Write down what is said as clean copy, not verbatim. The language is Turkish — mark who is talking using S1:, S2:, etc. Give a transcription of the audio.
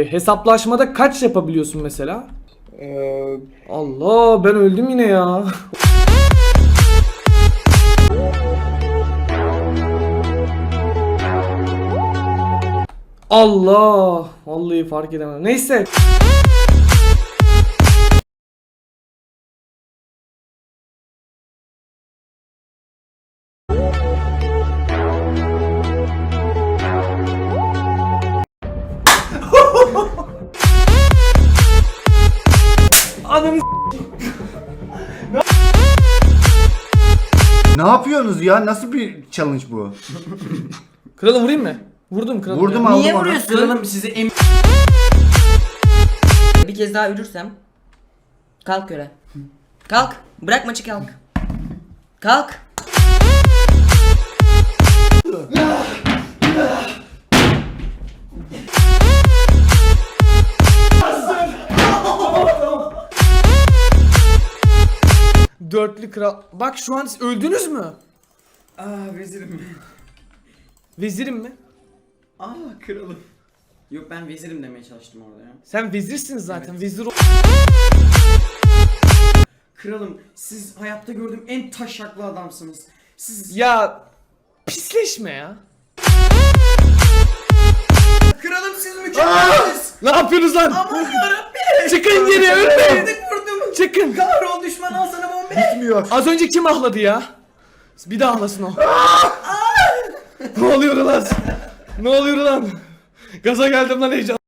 S1: Hesaplaşmada kaç yapabiliyorsun mesela? Allah, ben öldüm yine ya. Allah, vallahi fark edemem. Neyse. Anam.
S2: Ne yapıyorsunuz ya? Nasıl bir challenge bu?
S1: Kralım vurayım mı? Vurdum kralım.
S2: Vurdum
S1: ya.
S2: aldım
S3: Niye
S2: onu.
S3: vuruyorsun?
S4: Kralım sizi
S3: Bir kez daha ölürsem kalk göre. Kalk. Bırak maçı kalk. Kalk.
S1: Dörtlü kral. Bak şu an siz öldünüz mü?
S4: vezirim.
S1: Vezirim mi?
S4: Kralım. Yok ben vezirim demeye çalıştım orada ya.
S1: Sen vezirsiniz zaten. Vezir
S4: Kralım siz hayatta gördüğüm en taşaklı adamsınız. Siz...
S1: Ya pisleşme ya.
S4: Kralım siz mükemmelsiniz.
S1: Ne yapıyorsunuz lan?
S4: Aman yarabbim.
S1: Çıkın geri, ölmeyin.
S4: Yedik vurdum.
S1: Çıkın.
S4: Kahrol düşman al sana bombe.
S2: Bitmiyor.
S1: Az önce kim ahladı ya? Bir daha ahlasın o. Ne oluyor lan? Ne oluyor lan? Gaza geldim lan, heyecan.